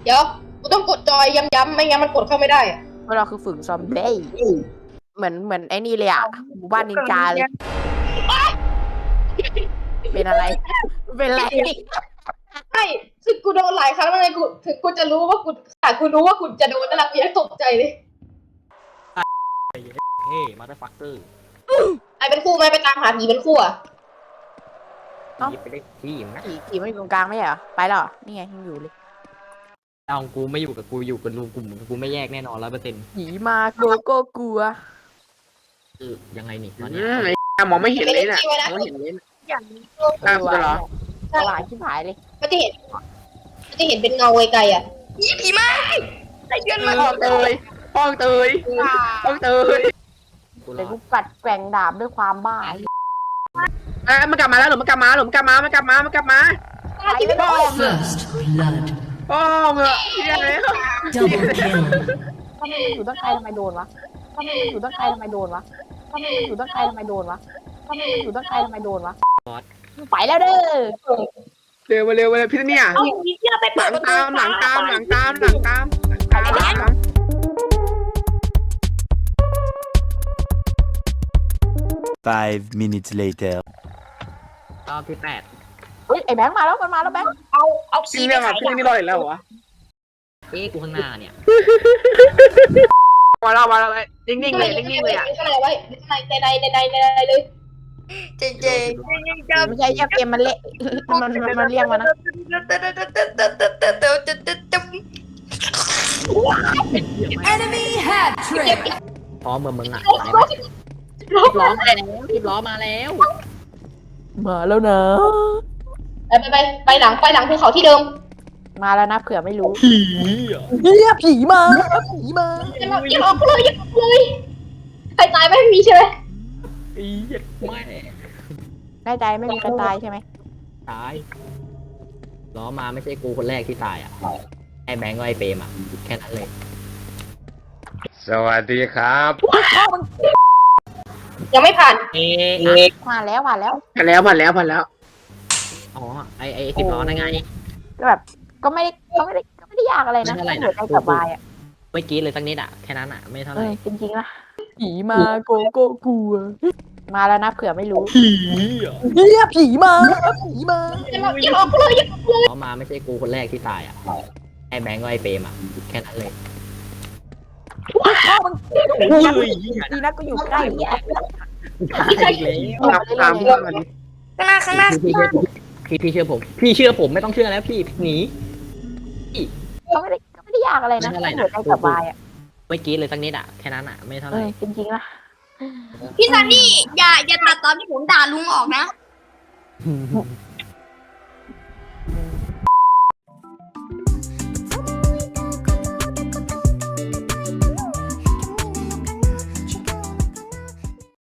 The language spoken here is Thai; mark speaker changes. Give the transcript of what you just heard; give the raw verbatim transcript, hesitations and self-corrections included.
Speaker 1: ดี๋ยวกูต้องกดจอยย้ำๆไม่งั้นมันกดเข้าไม่ได้อะ
Speaker 2: พวกเราคือฝึกซอมบี้เหมือนเหมือนไอ้นี่เลยอ่ะหมู่บ้านนินจาเลยเป็นอะไรเป็นอะไร
Speaker 1: ใช่คือกูโดนหลายครั้งแล้วไงกูถึงกูจะรู้ว่ากูแต่กูรู้ว่ากูจะโดนนั่นแหละกูยังตกใจเลย
Speaker 3: เฮ้มาได้ฟักเตอร์
Speaker 1: ไอเป็นคู่ไหมไปตามหาผีเป็นคู่อะ
Speaker 3: หยิบไปได้ที่นะ
Speaker 2: ขี่ขี่ไม่อยู่ตรงกลางไม่ใช่เหรอไปแล้วเหรอนี่ไงยังอยู่เลย
Speaker 3: เอากูไม่อยู่กับกูอยู่กับรูกลุ่มกูไม่แยกแน่นอนร้อยเปอร์เซ็นต์
Speaker 2: ผีมาโกโก้กลัว
Speaker 3: คือยังไงนี่ตอน
Speaker 4: อื
Speaker 3: นี้
Speaker 4: มไอ้มองไม่เห็นเลยน่ะมองไม่เห็นเลยน่ะ
Speaker 2: อย่างนี้
Speaker 4: ตามกูเหรอ
Speaker 2: ตลาดชิบหายเลย
Speaker 1: มันจะเห็นมันจะเห็นเป็นเงาไกลๆอะผีมาไอเดือนมา
Speaker 4: ห้องเตยห้องเตยห้องเตย
Speaker 3: กูร
Speaker 2: เลย
Speaker 3: อ
Speaker 2: กู
Speaker 3: ด
Speaker 2: กัดแกว่งดาบด้วยความบ้า
Speaker 4: อ่ะมันกลับมาแล้วหรือมันกลับมาหรือมันกลับมามันกลับมามันกลับมา
Speaker 1: ที่ไม่
Speaker 4: พ่อ
Speaker 1: ได้
Speaker 4: มึง
Speaker 5: First blood.
Speaker 4: พ่อมึงอะเฮียเลย
Speaker 5: Double kill.
Speaker 2: ถ้ามันอยู่ตั้งไกลทำไมโดนวะถ้ามันอยู่ตั้งไกลทำไมโดนวะถ้ามันอยู่ตั้งไกลทำไมโดนวะถ้ามันอยู่ตั้งไกลทำไมโดนวะไปแล้วเด้อ
Speaker 4: เร็วมาเร็วมาเร็วพี่เนี่ย
Speaker 1: เอาผีเสื้อไป
Speaker 4: ห
Speaker 1: เปิ
Speaker 4: ลั
Speaker 1: ด
Speaker 4: ง
Speaker 1: ประตู
Speaker 4: ตามหลังตามหลังตามหลังตามหลังตาม
Speaker 6: Five minutes later.
Speaker 3: รอบที่แปด
Speaker 2: เฮ้ยไอ้แบงค์มาแล้วมันมาแล้วแบงค์
Speaker 1: เอาเอา
Speaker 4: พี่เนี่ยแบบพี่นี่รอดอีกแล้วเหรอวะ
Speaker 3: เอ๊ะกูข้างหน้าเนี่ย
Speaker 4: มาแล้วมาแล้วนิ่งๆเลยนิ่งๆเลยอ่ะ
Speaker 1: ข้างในไว้ข้างในในในในในในเลย
Speaker 2: เจเจไม่ใช่แค่เกมมันเละมันมันมันเรียกมานะ
Speaker 5: Enemy hat trick.
Speaker 3: พร้อมเมื่อมึงอ่ะไปไหมสิบล้อมาแล้วสิบล้อมาแล้ว
Speaker 2: มาแล้วนะ
Speaker 1: ไปไปไปไปหลังไปหลังภูเขาที่เดิม
Speaker 2: มาแล้วนะเผื่อไม่รู้
Speaker 3: ผีอ่ะ
Speaker 2: เฮียผีมาผีมา
Speaker 1: อย่าอย่าออกเลยอย่าออกเลยใครตายไม่มีใช่ไหม
Speaker 3: อีไม่
Speaker 2: แน่ใจไม่มีใครตายใช่ไหม
Speaker 3: ตายล้อมาไม่ใช่กูคนแรกที่ตายอ่ะไอ้แบงก์ก็ไอ้เปรมอ่ะแค่นั้นเลย
Speaker 4: สวัสดีครับ
Speaker 1: ยังไม่ผ่าน
Speaker 3: เอ๊ะ
Speaker 2: ผ่านแล้วผ่านแล้ว
Speaker 4: ผ่านแล้วผ่านแล้วผ่านแล้ว
Speaker 3: อ๋อไอ้ไอ้สิบล้อนั่นไง
Speaker 2: ก็แบบก็ไม่ได้ก็ไม่ได้ก็ไม่ได้ยากอะไรนะ
Speaker 3: ไม่เท่าไหร่นะ
Speaker 2: เหมือนใจสบายอ่ะ
Speaker 3: ไม่กรีดเลยสักนิดอ่ะแค่นั้นอ่ะไม่เท่าไห
Speaker 2: เอ
Speaker 3: ร่
Speaker 2: อจริงๆนะผีมาโกโก้กลัวมาแล้วนะเผื่อไม่รู้
Speaker 3: ผีอ่ะ
Speaker 2: เฮียผีมาผีมา
Speaker 1: อย่าอย่าออกเลยอย่าออกเลย
Speaker 3: ล้อมาไม่ใช่กูคนแรกที่ตายอ่ะไอ้แบงก์ก็ไอ้เปรมอ่ะแค่นั้นเลย
Speaker 2: ดีนะก็อยู่ใกล้เนี่ย
Speaker 4: ครับตามเพื่อนมาดิ
Speaker 1: ข้างหน้าข้างหน้า
Speaker 3: พี่พี่พี่เชื่อผม พี่เชื่อผมไม่ต้องเชื่อแล้วพี่หนี
Speaker 2: ก็ไม่ได้ก็ไม่ได้ยากอะไรนะ
Speaker 3: ไม่เท่าไหร่นะ
Speaker 2: เหมือนใจสบายอ่ะ
Speaker 3: ไม่กรีดเลยสักนิดอ่ะแค่นั้นอ่ะไม่เท่าไห
Speaker 2: เอ
Speaker 3: ร่
Speaker 2: อจริงๆนะ
Speaker 7: พี่ซันนี่อย่าอย่าตัดตอนที่ผมด่าลุงออกนะ